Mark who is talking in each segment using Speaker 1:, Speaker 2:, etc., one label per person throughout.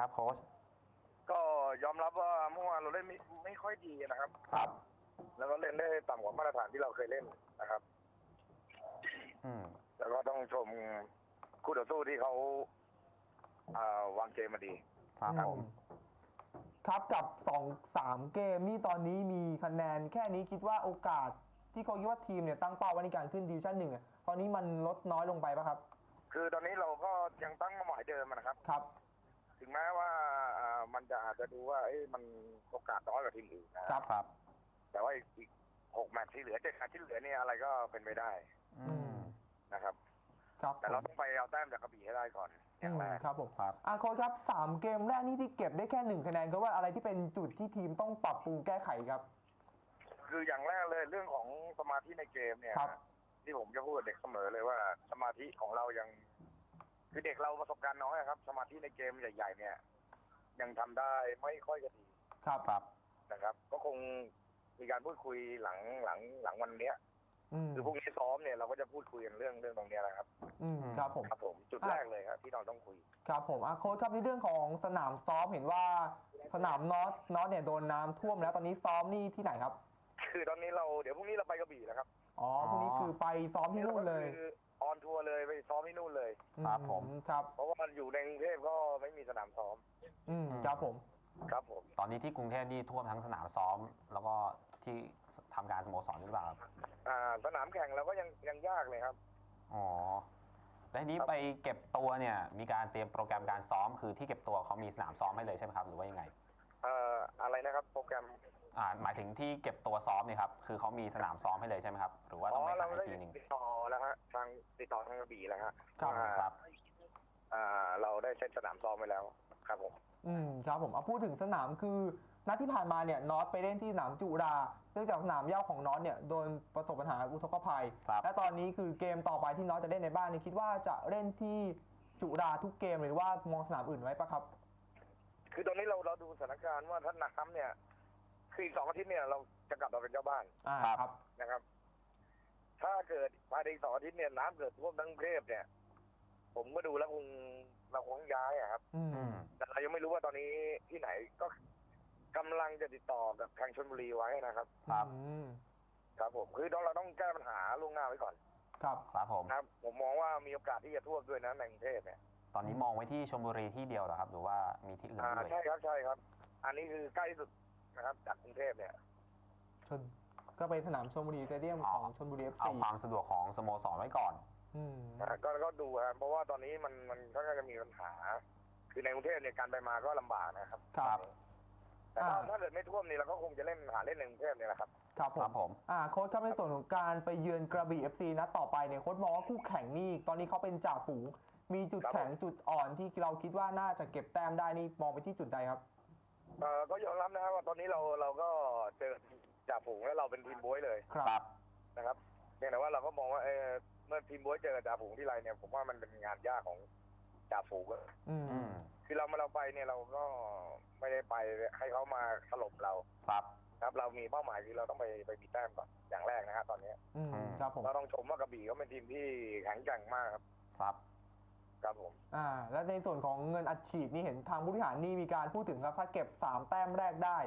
Speaker 1: ครับโค้ช
Speaker 2: ก็ยอมรับว่าเมื่อวานเราเล่นไม่ค่อยดีนะครับ
Speaker 1: ครับ
Speaker 2: แล้วก็เล่นได้ต่ำกว่ามาตรฐานที่เราเคยเล่นนะครับแล้วก็ต้องชมคู่ต่อสู้ที่เขาวางเกมมาดี
Speaker 1: ครับผม
Speaker 3: ครับกับ2-3 เกมนี่ตอนนี้มีคะแนนแค่นี้คิดว่าโอกาสที่เขาคิดว่าทีมเนี่ยตั้งเป้าไว้ในการขึ้นดิวิชั่น 1ตอนนี้มันลดน้อยลงไปป่ะครับ
Speaker 2: คือตอนนี้เราก็ยังตั้งเป้าหมายเดิมนะครับ
Speaker 3: ครับ
Speaker 2: ถึงแม้ว่ามันจะอาจจะดูว่ามันโอกาสน้อยกว่าทีมอื่น
Speaker 1: นะครับ
Speaker 2: แต่ว่าอีก6 แมตช์ที่เหลือ7 แมตช์ที่เหลือเนี่ยอะไรก็เป็นไปได้นะครับแต่เราต้องไปเอาแต้มจากกระบี่ให้ได้ก่อนอย่างแรก
Speaker 3: ครับผมครับโค้ชครับ3 เกมแรกนี่ที่เก็บได้แค่1 คะแนนก็ว่าอะไรที่เป็นจุดที่ทีมต้องปรับปรุงแก้ไขครับ
Speaker 2: คืออย่างแรกเลยเรื่องของสมาธิในเกมเนี่ยที่ผมจะพูดกับเด็กเสมอเลยว่าสมาธิของเรายังคือเด็กเราประสบการณ์น้อยครับสมาธิในเกมใหญ่ๆเนี่ยยังทำได้ไม่ค่อยจะดี
Speaker 3: ครับ
Speaker 2: นะครับก็คงมีการพูดคุยหลังวันเนี้ยคือพรุ่งนี้ซ้อมเนี่ยเราก็จะพูดคุยกันเรื่องตรงนี้แหละครับ
Speaker 3: ครับผม
Speaker 2: จุดแรกเลยครับที่เราต้องคุย
Speaker 3: ครับผมโค้ชครับในเรื่องของสนามซ้อมเห็นว่าสนามน็อตเนี่ยโดนน้ำท่วมแล้วตอนนี้ซ้อมนี่ที่ไหนครับ
Speaker 2: คือตอนนี้เดี๋ยวพรุ่งนี้เราไปกระบี่แล้วครับ
Speaker 3: พรุ่งนี้คือไปซ้อมที่นู่นเลย
Speaker 2: ออนทัวร์เลยไปซ้อมที่นู่นเลย
Speaker 1: ครับผม
Speaker 3: ครับ
Speaker 2: เพราะว่ามันอยู่ในกรุงเทพก็ไม่มีสนามซ้อม
Speaker 3: ครับผม
Speaker 1: ตอนนี้ที่กรุงเทพนี่ท่วมทั้งสนามซ้อมแล้วก็ที่ทำการสโมสรหรือเปล่าครับ
Speaker 2: สนามแข่งเราก็ยังยากเลยครับ
Speaker 1: แล้วทีนี้ไปเก็บตัวเนี่ยมีการเตรียมโปรแกรมการซ้อมคือที่เก็บตัวเขามีสนามซ้อมให้เลยใช่ไหมครับหรือว่ายังไง
Speaker 2: อะไรนะครับโปรแกรม
Speaker 1: หมายถึงที่เก็บตัวซ้อมนี่ครับคือเขามีสนามซ้อมให้เลยใช่ไหมครับหรือว่าต้องไปหาอีกทีนึง
Speaker 2: ติดต่อแล้วฮะติดต่อทางกระบี่แล้วครับเราได้เซตสนามซ้อมไปแล้วครับผม
Speaker 3: ครับผมพูดถึงสนามคือนัดที่ผ่านมาเนี่ยน็อตไปเล่นที่สนามจุฬาเนื่องจากสนามหญ้าของน็อตเนี่ยโดนประสบปัญหาอุทกภัยและตอนนี้คือเกมต่อไปที่น็อตจะเล่นในบ้านนี่คิดว่าจะเล่นที่จุฬาทุกเกมหรือว่ามองสนามอื่นไว้ปะครับ
Speaker 2: คือตอนนี้เราดูสถานการณ์ว่าถ้าน้ำเนี่ยคืออีก2 อาทิตย์เนี่ยเราจะกลับมาเป็นเจ้าบ้าน
Speaker 3: ครับ
Speaker 2: นะครับถ้าเกิดภายใน2 อาทิตย์เนี่ยน้ำเกิดท่วมทั้งกรุงเทพเนี่ยผมก็ดูแล้วเราคงย้ายครับแต่เรายังไม่รู้ว่าตอนนี้ที่ไหนก็กำลังจะติดต่อกับทางชลบุรีไว้นะครับครับผมคือเราต้องแก้ปัญหาล่วงหน้าไว้ก่อน
Speaker 1: ครับ
Speaker 2: ผมมองว่ามีโอกาสที่จะท่วมด้วยนะในกรุงเทพเนี่ย
Speaker 1: ตอนนี้มองไว้ที่ชลบุรีที่เดียวเหรอครับหรือว่ามีที่อื่นด้วย
Speaker 2: ใช่ครับอันนี้คือใกล้ที่สุดนะครับจากกรุงเทพเนี่ย
Speaker 3: ก็ไปสนามชลบุรีสเตเดียมของชลบุรี FC
Speaker 1: เอาความสะดวกของสโมสรไว้ก่อน
Speaker 2: ก็ดูครับเพราะว่าตอนนี้มันก็จะมีปัญหาคือในกรุงเทพเนี่ยการไปมาก็ลำบากนะครับแต่ถ้าเกิดไม่ท่วมนี่เราก็คงจะเล่นในกรุงเทพเนี่ยแหละครับ
Speaker 3: ครับผมโค้ชครับในส่วนของการไปเยือนกระบี่ FC นัดต่อไปเนี่ยโค้ชมองว่าคู่แข่งนี่ตอนนี้เขาเป็นจ่าฝูงมีจุดแข็งจุดอ่อนที่เราคิดว่าน่าจะเก็บแต้มได้นี่มองไปที่จุดใดครับ
Speaker 2: ก็ยอมรับนะครับว่าตอนนี้เราก็เจอจ่าฝูงแล้วเราเป็นทีมบ๊วยเลยนะครับเพียงแต่ว่าเราก็มองว่าเมื่อทีมบ๊วยเจอจ่าฝูงที่ไรเนี่ยผมว่ามันเป็นงานยากของจ่าฝูงคือเราไปเนี่ยเราก็ไม่ได้ไปให้เขามาถล่มเราครับเรามีเป้าหมายคือเราต้องไปมีแต้มก่อนอย่างแรกนะครับตอนนี้เราต้องชมว่ากระบี่เขาเป็นทีมที่แข็งแกร่งมากครับผม
Speaker 3: และในส่วนของเงินอัดฉีดนี่เห็นทางผู้บริหารนี่มีการพูดถึงครับถ้าเก็บ3 แต้มแรกได้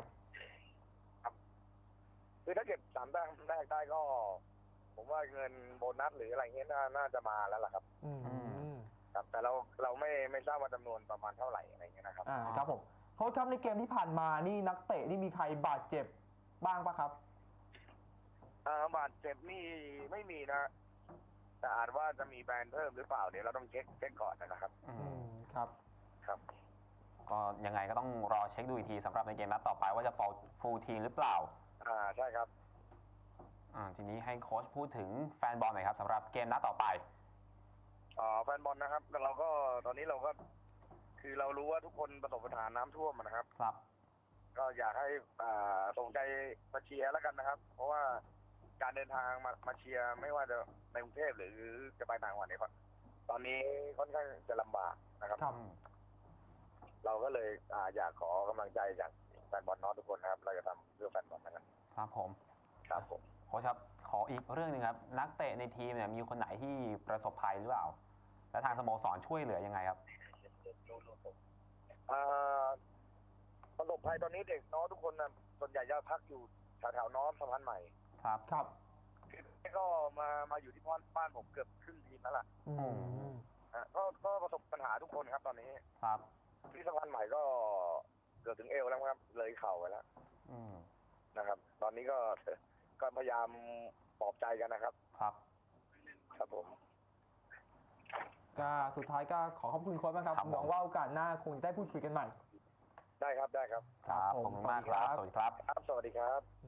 Speaker 2: คือถ้าเก็บ3 แต้มแรกได้ก็ผมว่าเงินโบนัสหรืออะไรเงี้ยน่าจะมาแล้วล่ะครับครับแต่เราไม่ทราบว่าจำนวนประมาณเท่าไหร่อะไรเงี้ยนะครับ
Speaker 3: ครับผมโค้ชครับในเกมที่ผ่านมานี่นักเตะนี่มีใครบาดเจ็บบ้างปะครับ
Speaker 2: บาดเจ็บนี่ไม่มีนะแต่อาจว่าจะมีแบนเพิ่มหรือเปล่าเดี๋ยวเราต้องเช็คก่อนนะครับครับ
Speaker 1: ก็ยังไงก็ต้องรอเช็คดูอีกทีสำหรับในเกมนัดต่อไปว่าจะฟูลทีมหรือเปล่า
Speaker 2: ใช่ครับ
Speaker 1: ทีนี้ให้โค้ชพูดถึงแฟนบอลหน่อยครับสำหรับเกมนัดต่อไป
Speaker 2: แฟนบอลนะครับแล้วเราก็ตอนนี้เราก็คือเรารู้ว่าทุกคนประสบปัญหาน้ำท่วมนะครับก็อยากให้ส่งใจมาเชียร์แล้วกันนะครับเพราะว่าการเดินทางมาเชียร์ไม่ว่าจะในกรุงเทพหรือจะไปต่างจังหวัดเนี่ยตอนนี้ค่อนข้างจะลำบากนะครับเราก็เลยอยากขอกำลังใจจากแฟนบอลน้องทุกคนนะครับเราจะทำเพื่อแฟนบอลนะครับ
Speaker 1: ครับผมโค้ชครับขออีกเรื่องนึงครับนักเตะในทีมเนี่ยมีคนไหนที่ประสบภัยหรือเปล่าและทางสโมสรช่วยเหลือยังไงครับ
Speaker 2: ภัยตอนนี้เด็กน้องทุกคนนะส่วนใหญ่จะพักอยู่แถวๆน้องสะพานใหม่
Speaker 1: ครับ
Speaker 3: ครับ
Speaker 2: คือก็มาอยู่ที่บ้านผมเกือบครึ่งทีมแล้วล่ะ
Speaker 3: อืม
Speaker 2: ก็ประสบปัญหาทุกคนครับตอนนี้
Speaker 1: ครับ
Speaker 2: ที่สะพานใหม่ก็เกือบถึงเอวแล้วครับเลยเข่าไปแล้ว
Speaker 1: อืม
Speaker 2: นะครับ ตอนนี้ก็พยายามปลอบใจกันนะครับ
Speaker 1: ครับ
Speaker 2: ครับผม
Speaker 3: ก็สุดท้ายก็ขอขอบคุณโค้ชมากครับ
Speaker 1: ครับผม
Speaker 3: หวังว่าโอกาสหน้าคงได้พูดคุยกันใหม่
Speaker 2: ได้ครับ
Speaker 1: ครับ ขอบคุณมากครับ สวัสดีครับ
Speaker 2: ครับ สวัสดีครับ